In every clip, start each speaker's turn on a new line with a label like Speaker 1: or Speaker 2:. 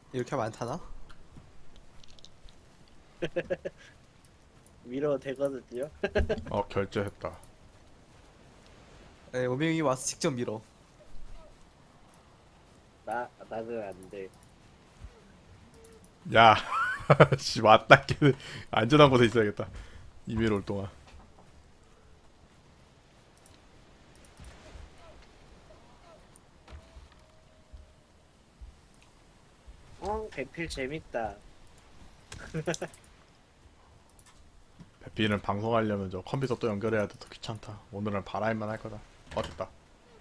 Speaker 1: 이렇게 하면 안 타나?
Speaker 2: 밀어도 되거든요.
Speaker 3: 결제했다.
Speaker 1: 네, 오명이 와서 직접 밀어.
Speaker 2: 나는 안 돼.
Speaker 3: 야, 씨 맞다. 걔는 안전한 곳에 있어야겠다. 이메일 올 동안.
Speaker 2: 배필 재밌다.
Speaker 3: 배피는 방송하려면 저 컴퓨터 또 연결해야 돼. 더 귀찮다. 오늘은 바라임만 할 거다. 됐다.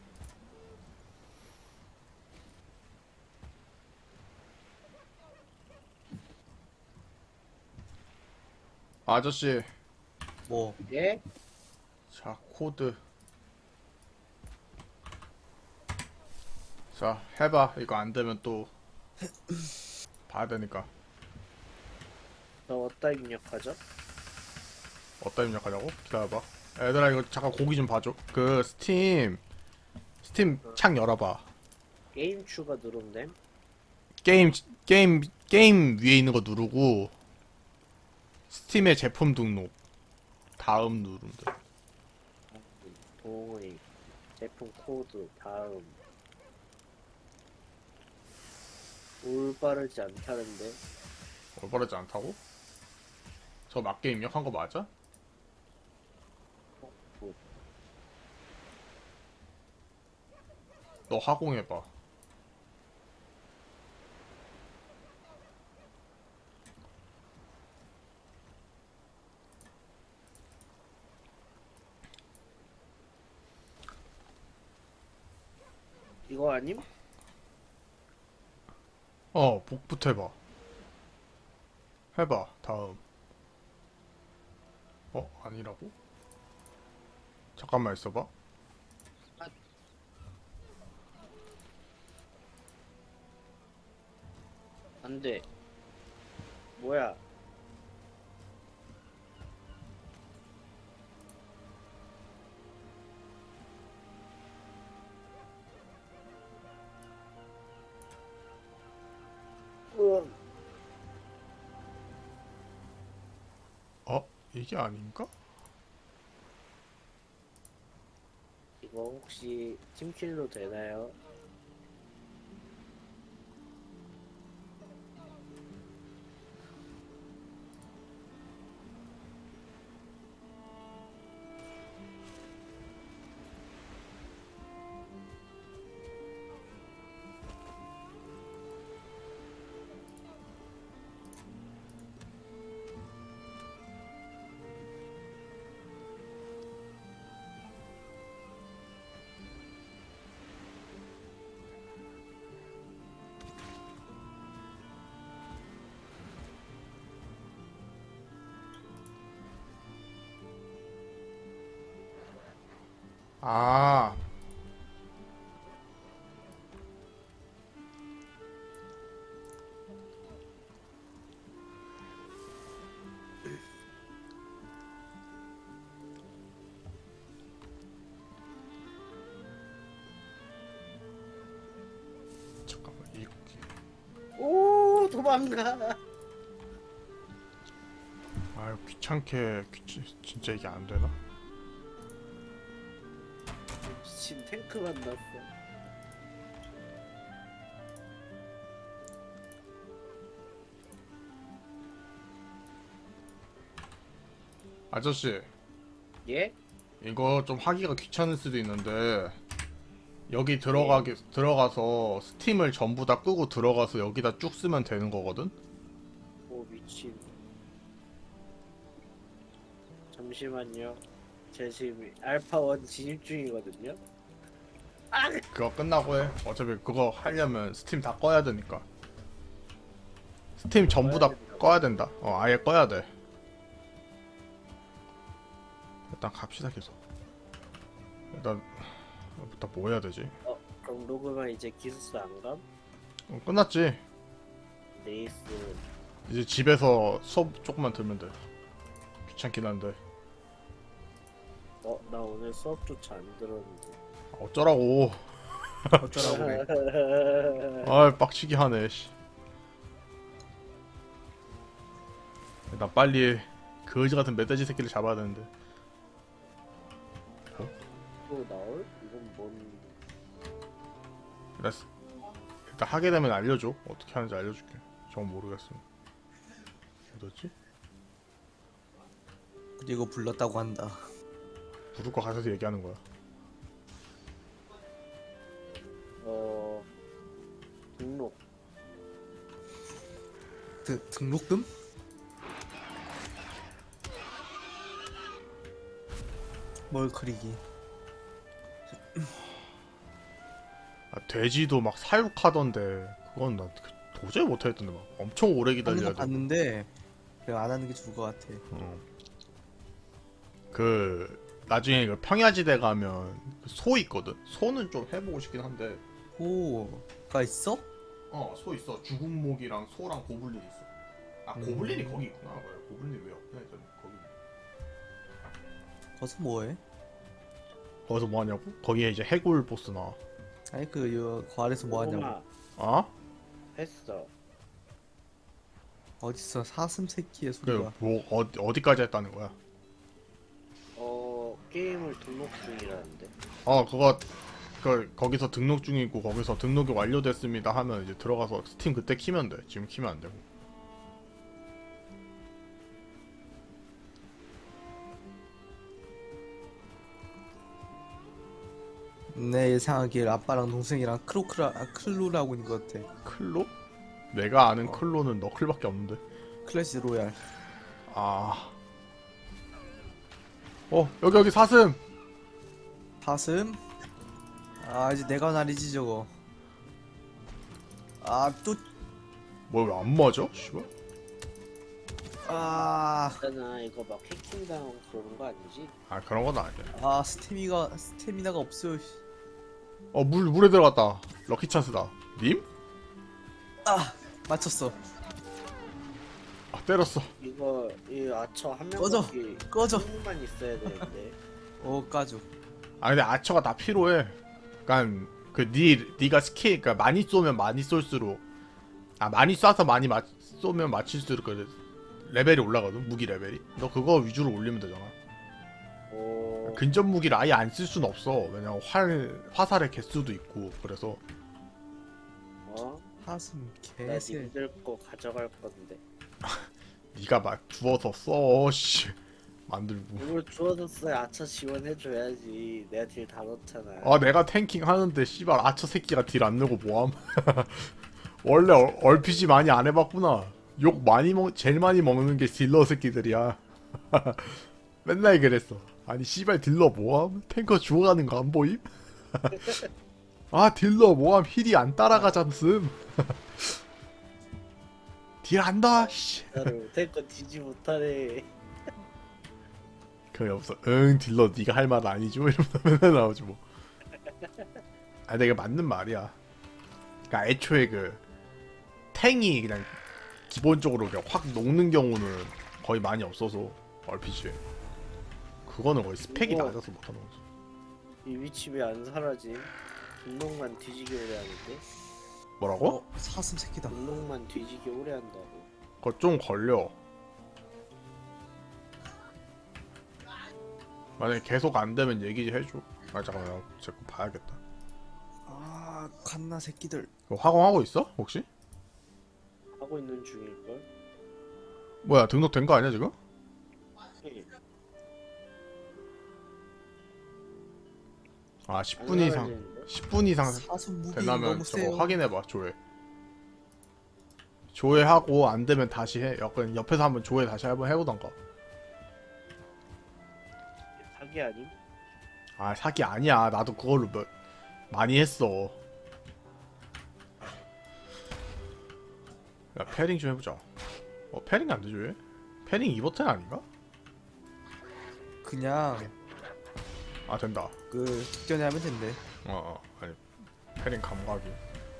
Speaker 3: 아저씨,
Speaker 1: 뭐
Speaker 2: 예?
Speaker 3: 자 코드. 자 해봐. 이거 안 되면 또 봐야 되니까.
Speaker 2: 너 어디다 입력하죠?
Speaker 3: 어디다 입력하냐고? 기다려봐. 얘들아 이거 잠깐 고기 좀 봐줘. 그 스팀 창 열어봐.
Speaker 2: 게임 추가 누르면 됨?
Speaker 3: 게임 위에 있는 거 누르고 스팀의 제품 등록 다음 누르면 돼.
Speaker 2: 동의 제품 코드 다음 올바르지 않다는데.
Speaker 3: 올바르지 않다고? 저 맞게 입력한 거 맞아?
Speaker 2: 뭐,
Speaker 3: 너 하공해봐.
Speaker 2: 이거 아님?
Speaker 3: 복부터 해봐. 해봐 다음. 아니라고? 잠깐만 있어봐.
Speaker 2: 안돼. 뭐야? 으,
Speaker 3: 이게 아닌가?
Speaker 2: 이거 혹시 팀킬로 되나요?
Speaker 3: 아, 잠깐만 이렇게.
Speaker 2: 오, 도망가.
Speaker 3: 아유 진짜 이게 안 되나?
Speaker 2: 미친 탱크 만났어.
Speaker 3: 아저씨,
Speaker 2: 예?
Speaker 3: 이거 좀 하기가 귀찮을 수도 있는데 여기
Speaker 2: 네.
Speaker 3: 들어가서 스팀을 전부 다 끄고 들어가서 여기다 쭉 쓰면 되는 거거든?
Speaker 2: 오, 미친. 잠시만요. 제 지금 알파1 진입 중이거든요. 아!
Speaker 3: 그거 끝나고 해. 어차피 그거 하려면 스팀 다 꺼야 되니까. 스팀 전부 다 꺼야 된다. 아예 꺼야 돼. 일단 갑시다 계속. 일단 뭐 해야 되지?
Speaker 2: 그럼 로그만 이제 기술사 안 감?
Speaker 3: 끝났지.
Speaker 2: 네이스.
Speaker 3: 이제 집에서 수업 조금만 들면 돼. 귀찮긴 한데.
Speaker 2: 나 오늘 수업조차 안 들었는데.
Speaker 3: 어쩌라고.
Speaker 1: 어쩌라고 그래.
Speaker 3: 빡치게 하네. 씨. 나 빨리 거지 같은 멧돼지 새끼를 잡아야 되는데.
Speaker 2: 또 나올? 이건 뭔?
Speaker 3: 일단, 일단 하게 되면 알려줘. 어떻게 하는지 알려줄게. 전 모르겠어. 어디였지?
Speaker 1: 그리고 불렀다고 한다.
Speaker 3: 부를 거 가서 얘기하는 거야.
Speaker 2: 등록.
Speaker 1: 등록금? 뭘 그리기?
Speaker 3: 아, 돼지도 막 사육하던데 그건 나 도저히 못하겠던데 막 엄청 오래
Speaker 1: 하는
Speaker 3: 기다려야
Speaker 1: 거
Speaker 3: 돼.
Speaker 1: 봤는데 그냥 안 하는 게 좋을 것 같아.
Speaker 3: 그 나중에 그 평야지대 가면 그 소 있거든. 소는 좀 해보고 싶긴 한데.
Speaker 1: 호가 있어?
Speaker 3: 소 있어. 죽은 목이랑 소랑 고블린 있어. 아 고블린이 거기 있구나. 그래. 고블린 왜 없냐 했더니 거기.
Speaker 1: 거기서 뭐해?
Speaker 3: 거기서 뭐 하냐고? 거기에 이제 해골 보스 나와.
Speaker 1: 아니 그 아래서 뭐 하냐고.
Speaker 2: 고구마
Speaker 3: 어?
Speaker 2: 했어.
Speaker 1: 어딨어 사슴 새끼의
Speaker 3: 그
Speaker 1: 소리가.
Speaker 3: 뭐 어디까지 했다는 거야?
Speaker 2: 게임을 등록 중이라는데.
Speaker 3: 그거 거기서 등록 중이고 거기서 등록이 완료됐습니다 하면 이제 들어가서 스팀 그때 키면 돼. 지금 키면 안 되고.
Speaker 1: 내 예상하기에 아빠랑 동생이랑 클로라고 있는 것 같아.
Speaker 3: 클로? 내가 아는 클로는 너클밖에 없는데.
Speaker 1: 클래시 로얄.
Speaker 3: 아. 여기 사슴.
Speaker 1: 사슴? 아 이제 내가 날이지 저거. 아또
Speaker 3: 뭐 왜 안 맞아? 씨발.
Speaker 1: 아,
Speaker 2: 있잖아, 이거 막 해킹당하고 그러는 거 아니지?
Speaker 3: 아 그런 건 아니야.
Speaker 1: 스태미나가 없어요. 씨.
Speaker 3: 물에 들어갔다. 럭키 찬스다. 님?
Speaker 1: 아 맞췄어.
Speaker 3: 때렸어.
Speaker 2: 이거 이 아처 한
Speaker 1: 꺼져,
Speaker 2: 명밖에
Speaker 1: 꺼져.
Speaker 2: 만 있어야 되는데.
Speaker 1: 까줘.
Speaker 3: 아 근데 아처가 다 필요해. 그니까 네가 스킬 그니까 많이 쏘면 많이 쏠수록 많이 쏴서 많이 쏘면 맞힐수록 그 레벨이 올라가거든. 무기 레벨이. 너 그거 위주로 올리면 되잖아. 근접 무기를 아예 안 쓸 수는 없어. 왜냐면 화살의 개수도 있고 그래서.
Speaker 1: 사슴
Speaker 2: 나
Speaker 1: 개새.
Speaker 2: 님들 거 가져갈 건데.
Speaker 3: 네가 막 주워서 써. 씨. 만들고.
Speaker 2: 이걸 주워줬어야 아처 지원해줘야지. 내가 딜 다 넣잖아.
Speaker 3: 내가 탱킹 하는데 씨발 아처 새끼가 딜 안 내고 뭐함. 원래 RPG 많이 안 해봤구나. 욕 제일 많이 먹는 게 딜러 새끼들이야. 맨날 그랬어. 아니 씨발 딜러 뭐함? 탱커 죽어가는 거 안 보임? 딜러 뭐함? 힐이 안 따라가잖음. 딜 안다. 씨.
Speaker 2: 나를 탱커 뒤지 못하네.
Speaker 3: 그게 없어. 딜러 네가 할 말 아니지 뭐 이러면서 맨날 나오지 뭐. 내가 맞는 말이야. 그러니까 애초에 탱이 그냥 기본적으로 그냥 확 녹는 경우는 거의 많이 없어서 RPG에 그거는 거의 스펙이
Speaker 2: 이거-
Speaker 3: 낮아서 못하는 거지.
Speaker 2: 이 위치 왜 안 사라짐? 등록만 뒤지게 오래 하는데?
Speaker 3: 뭐라고?
Speaker 1: 사슴 새끼다.
Speaker 2: 등록만 뒤지게 오래 한다고.
Speaker 3: 그거 좀 걸려. 만약에 계속 안 되면 얘기 좀 해줘. 잠깐만 제거 봐야겠다.
Speaker 1: 갓나 새끼들.
Speaker 3: 그거 화공하고 있어? 혹시?
Speaker 2: 하고 있는 중일걸?
Speaker 3: 뭐야 등록된 거 아니야 지금?
Speaker 2: 네.
Speaker 3: 10분 이상 10분 이상
Speaker 1: 사슴 무기
Speaker 3: 되려면
Speaker 1: 너무
Speaker 3: 저거
Speaker 1: 세요.
Speaker 3: 확인해봐. 조회하고 안 되면 다시 해. 약간 옆에서 한번 조회 다시 한번 해보던가.
Speaker 2: 사기 아님?
Speaker 3: 사기 아니야. 나도 그걸로 많이 했어. 야 패링 좀 해보자. 패링 안 되죠 얘? 패링 2버튼 아닌가?
Speaker 1: 그냥
Speaker 3: 된다.
Speaker 1: 직전에 하면 된대.
Speaker 3: 아니 패링 감각이.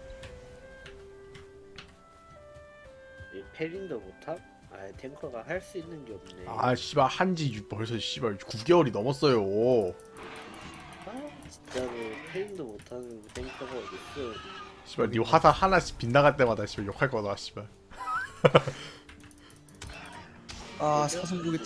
Speaker 2: 이 패링도 못함? 탱커가 할 수 있는 게 없네.
Speaker 3: 씨발 한지 벌써 씨발 9개월이 넘었어요.
Speaker 2: 진짜로 패링도 못하는 탱커가 어딨어.
Speaker 3: 씨발 니 화살 하나씩 빗나갈 때마다 씨발 욕할 거다 씨발.
Speaker 1: 아
Speaker 2: 뭐죠?
Speaker 1: 사슴고기